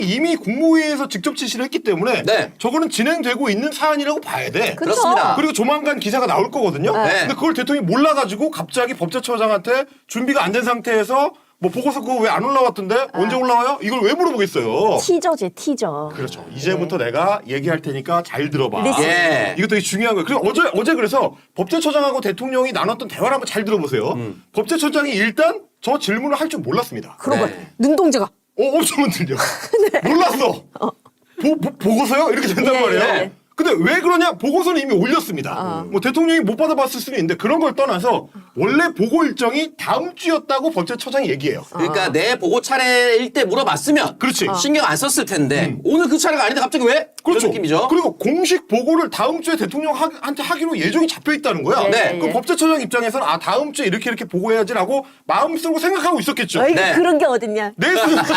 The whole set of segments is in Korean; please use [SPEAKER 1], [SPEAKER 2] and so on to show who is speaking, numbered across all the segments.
[SPEAKER 1] 이미 국무회의에서 직접 지시를 했기 때문에
[SPEAKER 2] 네.
[SPEAKER 1] 저거는 진행되고 있는 사안이라고 봐야 돼.
[SPEAKER 3] 그쵸?
[SPEAKER 2] 그렇습니다.
[SPEAKER 1] 그리고 조만간 기사가 나올 거거든요.
[SPEAKER 2] 네.
[SPEAKER 1] 근데 그걸 대통령이 몰라가지고 갑자기 법제처장한테 준비가 안 된 상태에서 뭐 보고서 그거 왜 안 올라왔던데? 언제 올라와요? 이걸 왜 물어보겠어요?
[SPEAKER 3] 티저지, 티저.
[SPEAKER 1] 그렇죠. 이제부터 내가 얘기할 테니까 잘 들어봐.
[SPEAKER 3] 리슨.
[SPEAKER 2] 예.
[SPEAKER 1] 이거 되게 중요한 거예요. 그리고 어제 그래서 법제처장하고 대통령이 나눴던 대화를 한번 잘 들어보세요. 법제처장이 일단 저 질문을 할 줄 몰랐습니다.
[SPEAKER 3] 그러고
[SPEAKER 2] 네.
[SPEAKER 3] 눈동자가.
[SPEAKER 1] 엄청 흔들려. 몰랐어. 보고서요? 이렇게 된단
[SPEAKER 3] 예,
[SPEAKER 1] 말이에요.
[SPEAKER 3] 예.
[SPEAKER 1] 근데 왜 그러냐? 보고서는 이미 올렸습니다. 뭐 대통령이 못 받아봤을 수는 있는데 그런 걸 떠나서 원래 보고 일정이 다음 주였다고 법제처장이 얘기해요.
[SPEAKER 2] 그러니까 내 보고 차례일 때 물어봤으면
[SPEAKER 1] 그렇지.
[SPEAKER 2] 신경 안 썼을 텐데 오늘 그 차례가 아닌데 갑자기 왜?
[SPEAKER 1] 그렇죠.
[SPEAKER 2] 그런 느낌이죠.
[SPEAKER 1] 그리고 공식 보고를 다음 주에 대통령한테 하기로 예정이 잡혀 있다는 거야.
[SPEAKER 2] 네.
[SPEAKER 1] 그럼 법제처장 입장에서는 아 다음 주에 이렇게 보고해야지라고 마음속으로 생각하고 있었겠죠.
[SPEAKER 3] 어이,
[SPEAKER 2] 네.
[SPEAKER 3] 그런 게 어딨냐.
[SPEAKER 1] 내수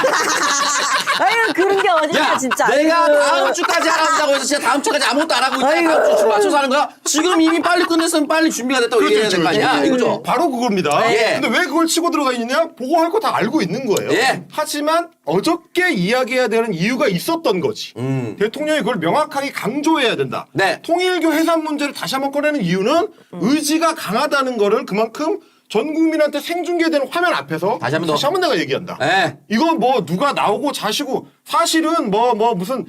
[SPEAKER 3] 아유, 그런 게 어딨냐,
[SPEAKER 2] 야,
[SPEAKER 3] 진짜.
[SPEAKER 2] 내가
[SPEAKER 3] 아이고.
[SPEAKER 2] 다음 주까지 하라고 해서 진짜 다음 주까지 아무것도 안 하고 있다가
[SPEAKER 3] 아이고.
[SPEAKER 2] 다음 주 맞춰서 하는 거야? 지금 이미 빨리 끝냈으면 빨리 준비가 됐다고 얘기해야 될 거 아니야? 이거죠?
[SPEAKER 1] 바로 그겁니다.
[SPEAKER 2] 예.
[SPEAKER 1] 근데 왜 그걸 치고 들어가 있느냐? 보고할 거 다 알고 있는 거예요.
[SPEAKER 2] 예.
[SPEAKER 1] 하지만 어저께 이야기해야 되는 이유가 있었던 거지. 대통령이 그걸 명확하게 강조해야 된다.
[SPEAKER 2] 네.
[SPEAKER 1] 통일교 해산 문제를 다시 한번 꺼내는 이유는 의지가 강하다는 거를 그만큼 전 국민한테 생중계되는 화면 앞에서
[SPEAKER 2] 다시 한번 더.
[SPEAKER 1] 내가 얘기한다.
[SPEAKER 2] 네.
[SPEAKER 1] 이건 뭐 누가 나오고 자시고 사실은 뭐 무슨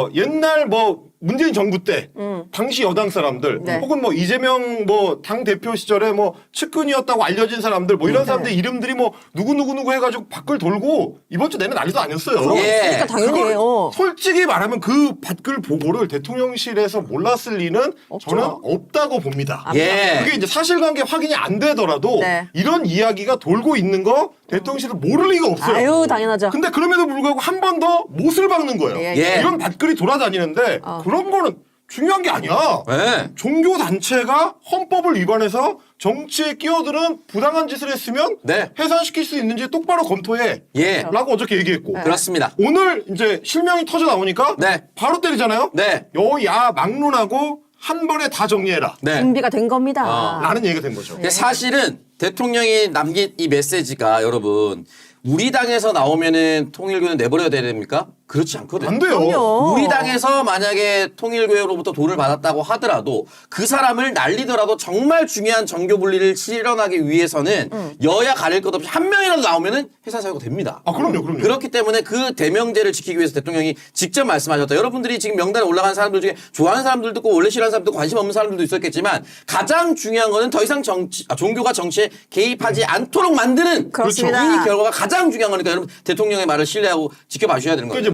[SPEAKER 1] 옛날 뭐 문재인 정부 때 당시 여당 사람들
[SPEAKER 3] 네.
[SPEAKER 1] 혹은 뭐 이재명 뭐 당 대표 시절에 뭐 측근이었다고 알려진 사람들 뭐 이런 사람들 이름들이 뭐 누구 해가지고 밖을 돌고 이번 주 내내 난리도 아니었어요.
[SPEAKER 2] 예.
[SPEAKER 3] 그러니까 당연히
[SPEAKER 1] 그걸
[SPEAKER 3] 해요.
[SPEAKER 1] 솔직히 말하면 그 밖을 보고를 대통령실에서 몰랐을 리는 저는 없다고 봅니다.
[SPEAKER 2] 예.
[SPEAKER 1] 그게 이제 사실관계 확인이 안 되더라도
[SPEAKER 3] 네.
[SPEAKER 1] 이런 이야기가 돌고 있는 거 대통령실은 모를 리가 없어요.
[SPEAKER 3] 아유, 당연하죠.
[SPEAKER 1] 근데 그럼에도 불구하고 한 번 더 못을 박는 거예요.
[SPEAKER 3] 예,
[SPEAKER 2] 예.
[SPEAKER 1] 이런 밭글이 돌아다니는데 그런 거는 중요한 게 아니야.
[SPEAKER 2] 네.
[SPEAKER 1] 종교 단체가 헌법을 위반해서 정치에 끼어드는 부당한 짓을 했으면
[SPEAKER 2] 네.
[SPEAKER 1] 해산시킬 수 있는지 똑바로 검토해.
[SPEAKER 2] 예.
[SPEAKER 1] 라고 어저께 얘기했고.
[SPEAKER 2] 그렇습니다.
[SPEAKER 1] 오늘 이제 실명이 터져 나오니까
[SPEAKER 2] 네.
[SPEAKER 1] 바로 때리잖아요.
[SPEAKER 2] 네.
[SPEAKER 1] 여야 막론하고 한 번에 다 정리해라.
[SPEAKER 2] 네.
[SPEAKER 3] 준비가 된 겁니다.
[SPEAKER 1] 라는 얘기가 된 거죠.
[SPEAKER 2] 근데 사실은 대통령이 남긴 이 메시지가 여러분 우리 당에서 나오면은 통일교는 내버려야 됩니까? 그렇지 않거든요.
[SPEAKER 1] 안 돼요.
[SPEAKER 3] 그럼요.
[SPEAKER 2] 우리 당에서 만약에 통일교회로부터 돈을 받았다고 하더라도 그 사람을 날리더라도 정말 중요한 정교 분리를 실현하기 위해서는 여야 가릴 것 없이 한 명이라도 나오면은 해산 사유가 됩니다.
[SPEAKER 1] 아, 그럼요.
[SPEAKER 2] 그렇기 때문에 그 대명제를 지키기 위해서 대통령이 직접 말씀하셨다. 여러분들이 지금 명단에 올라간 사람들 중에 좋아하는 사람들도 있고 원래 싫어하는 사람도 관심 없는 사람들도 있었겠지만 가장 중요한 거는 더 이상 종교가 정치에 개입하지 않도록 만드는
[SPEAKER 3] 그렇습니다.
[SPEAKER 2] 이 결과가 가장 중요한 거니까 여러분 대통령의 말을 신뢰하고 지켜봐 주셔야 되는 거예요.